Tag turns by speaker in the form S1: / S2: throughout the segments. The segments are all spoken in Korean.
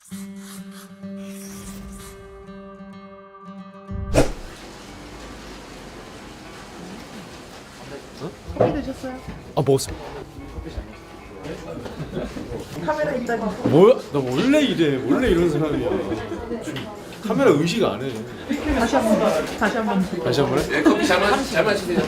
S1: 커피 드셨어요?
S2: 아 먹었습니다.
S1: 카메라 있다니.
S2: 뭐야? 나 원래 이래. 원래 이런 사람이야. 카메라 의식 안 해.
S1: 다시 한번
S2: 다시 한 번 해?
S3: 네, 커피 잘 마시세요.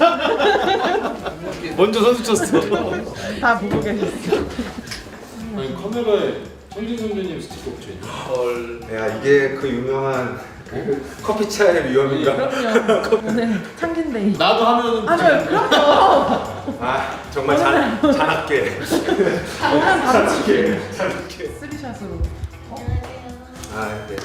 S2: 먼저 선수 쳤어.
S1: 다 보고 계셨어.
S2: 아니 카메라에 천진 선배님 스티커 붙여있네.
S3: 헐.
S4: 야 이게 그 유명한 커피차의 위험인가?
S1: 그럼요. 오늘 창진데이.
S2: 나도 하면은
S1: 아니요, 그럼요.
S4: 아 정말 잔악게
S1: 오면 바로
S4: 잔악게
S1: 쓰리샷으로.
S4: 아 네.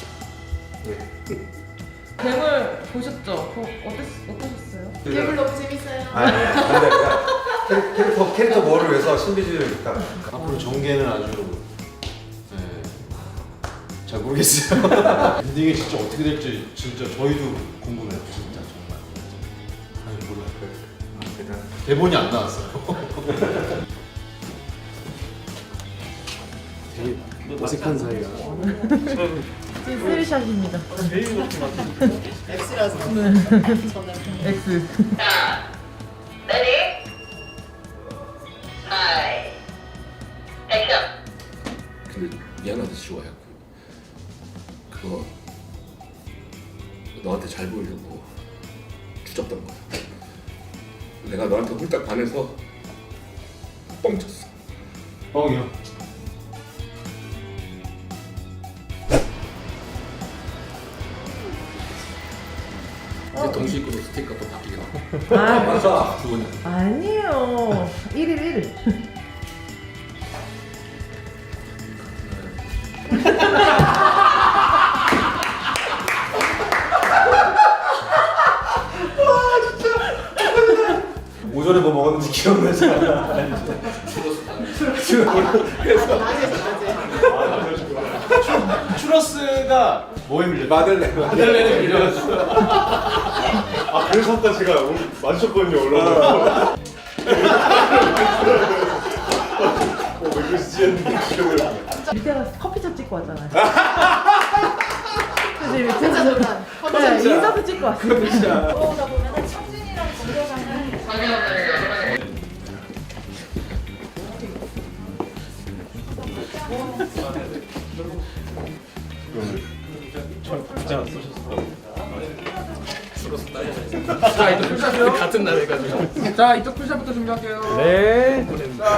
S1: 괴물 보셨죠? 그거 어떠셨어요?
S5: 괴물 너무 재밌어요.
S4: 아 근데 캐릭터 뭐를 위해서 신비주의를 일단
S2: 앞으로 전개는 아주 네, 잘 모르겠어요. 엔딩이 진짜 어떻게 될지 진짜 저희도 궁금해요. 진짜 정말. 아니 몰라요.
S4: 일단
S2: 대본이 안 나왔어요. 되게 어색한 사이가.
S1: 지금 쓰리샷입니다.
S5: X라서.
S1: 네.
S5: 저는.
S1: X.
S6: Ready? Hi. 액션.
S3: 근데 미안하다 지호야. 그거 너한테 잘 보이려고 주접던 거야. 내가 너한테 홀딱 반해서 뻥쳤어.
S2: 뻥이요.
S3: 이제 동시입구로 스티커 또 바뀌게 나와.
S1: 아,
S4: 맞아
S3: 두 번.
S1: 아니에요. 1일 1일.
S4: 오전에 뭐 먹었는지 기억나지 않아.
S2: 추러스가 뭐에 밀려?
S4: 마들렌
S2: 마들렌에 밀려가지고.
S7: 아 그래서 아까 제가 오늘 마주쳤거든요 올라오고 왜 그러시지 했는데 기억을
S1: 밑에 가서 커피차 찍고 왔잖아요. 그치, 밑에 가서.
S5: 잠깐.
S1: 네, 인사도 찍고 왔어요.
S5: 들어오다 보면은 창진이랑 정교장은
S3: 자 이제 풀샷 같은 날 해가지고. 자 이쪽 풀샷부터 준비할게요.
S2: 네.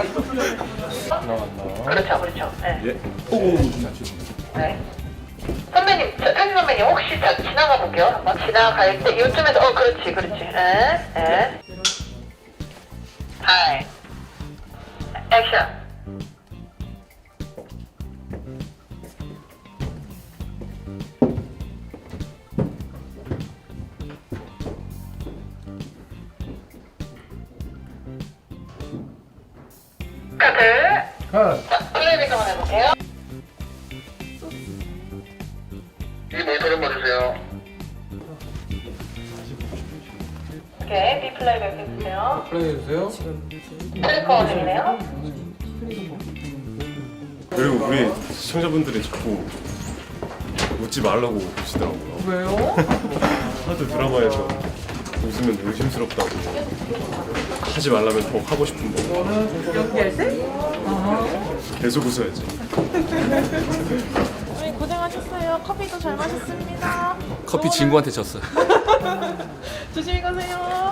S6: 그렇죠, 그렇죠. 네. 네. 선배님, 창진 선배님 혹시 자 지나가 볼게요. 한번 지나갈 때 이쯤에서 그렇지, 그렇지. 예. 하이. 액션. 카드. 자, 플레이백 한번 해볼게요. 이 모니터 좀 봐주세요. 오케이, B 플레이백 해주세요.
S3: 플레이해주세요.
S6: 트래커님이네요.
S7: 그리고 우리 시청자분들이 자꾸 웃지 말라고 그러시더라고요.
S1: 왜요?
S7: 하도 드라마에서 웃으면 의심스럽다고 하지 말라면 더 하고 싶은데
S1: 연기할 때? 아.
S7: 계속 웃어야지.
S1: 네, 고생하셨어요. 커피도 잘 마셨습니다.
S3: 커피 친구한테 졌어.
S1: 조심히 가세요.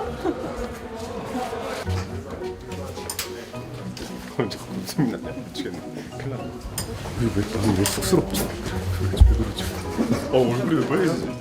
S7: 자꾸 웃음이 나냐? 미치겠네. 큰일 났네. 왜 쑥스럽지? 왜 그러지? 얼굴이 왜 빨개지지?